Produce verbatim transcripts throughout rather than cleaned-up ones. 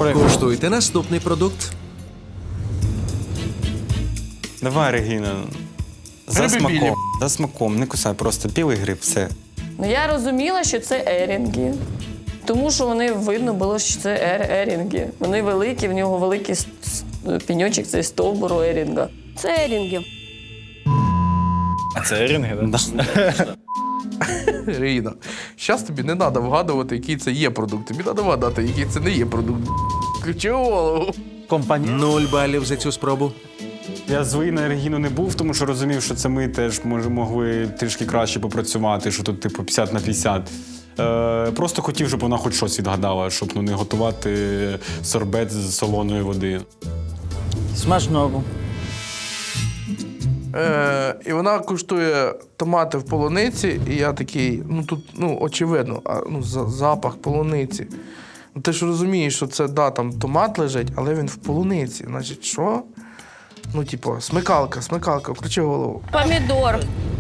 Куштуйте наступний продукт. Давай, Регіна. За Гриби білі. смаком. За смаком. Не кусай, просто білий гриб, все. Ну, я розуміла, що це ерінги. Тому що вони видно було, що це ер ерінги. Вони великі, в нього великий с- с- пеньочок, цей стовбуру ерінга. Це ерінги. А це ерінги, да? Ріна, зараз тобі не треба вгадувати, який це є продукт. Тобі треба вгадати, який це не є продукт. Ключи голову. Компанія. Нуль балів за цю спробу. Я злий на Регіну не був, тому що розумів, що це ми теж може, могли трішки краще попрацювати, що тут типу п'ятдесят на п'ятдесят. Е, просто хотів, щоб вона хоч щось відгадала, щоб ну, не готувати сорбет з солоної води. Смачного. Е, і вона куштує томати в полуниці, і я такий, ну тут, ну, очевидно, а, ну, за- запах полуниці. Ну, ти ж розумієш, що це, да, там томат лежить, але він в полуниці. Значить, що? Ну, типу, смикалка, смикалка, включи голову. Помідор.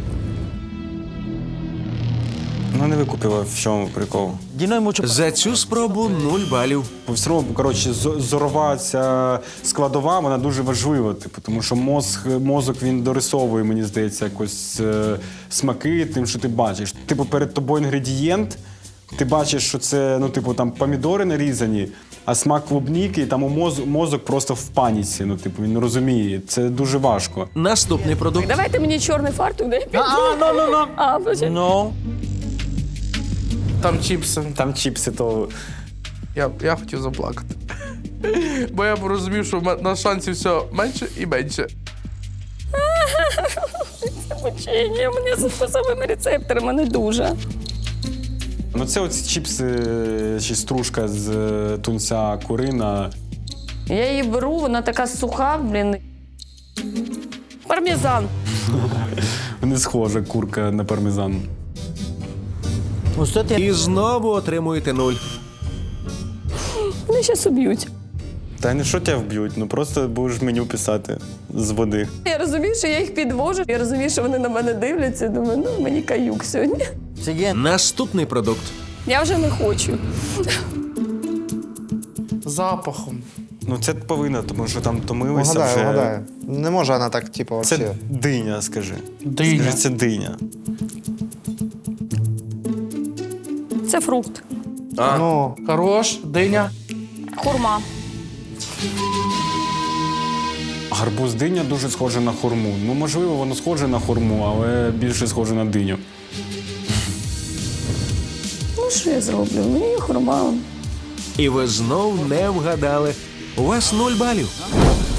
Ну не викупила, в чому прикол. Діно йому чу... За цю спробу нуль балів. По всьому, коротше, зо- зорова ця складова, вона дуже важлива, типу, тому що мозг, мозок він дорисовує, мені здається, якось е, смаки тим, що ти бачиш. Типу, перед тобою інгредієнт, ти бачиш, що це, ну, типу, там помідори нарізані, а смак клубніки, і там у моз, мозок просто в паніці, ну, типу, він не розуміє. Це дуже важко. Наступний продукт. Давайте мені чорний фартук, дай піду. А, ну, ну, ну. А, почекай. Ну. Там чіпси. Там чіпси, то Я, я хотів заплакати. Бо я розумів, що в мене на шансів все менше і менше. Мучення, у мене з вкусовими рецепторами не дуже. ну, це оці чіпси, чи стружка з е, тунця курина. Я її беру, вона така суха, блін. Пармезан. Не схожа курка на пармезан. Ось це ти... І знову отримуєте нуль. Вони зараз уб'ють. Та не що тебе вб'ють, ну просто будеш меню писати з води. Я розумію, що я їх підвожу. Я розумію, що вони на мене дивляться. Думаю, ну мені каюк сьогодні. Сіген. Наступний продукт. Я вже не хочу. Запахом. Ну це повинно, тому що там томилися Угадаю, вже. угадаю. Не може вона так, типу, Це взагалі. диня, скажи. Диня. Скажи, це диня. Це фрукт. А, Ну, хорош, диня. Хурма. Гарбуз диня дуже схоже на хурму. Ну, можливо, воно схоже на хурму, але більше схоже на диню. Ну що я зроблю? Мені є хурма. І ви знов не вгадали. У вас нуль балів.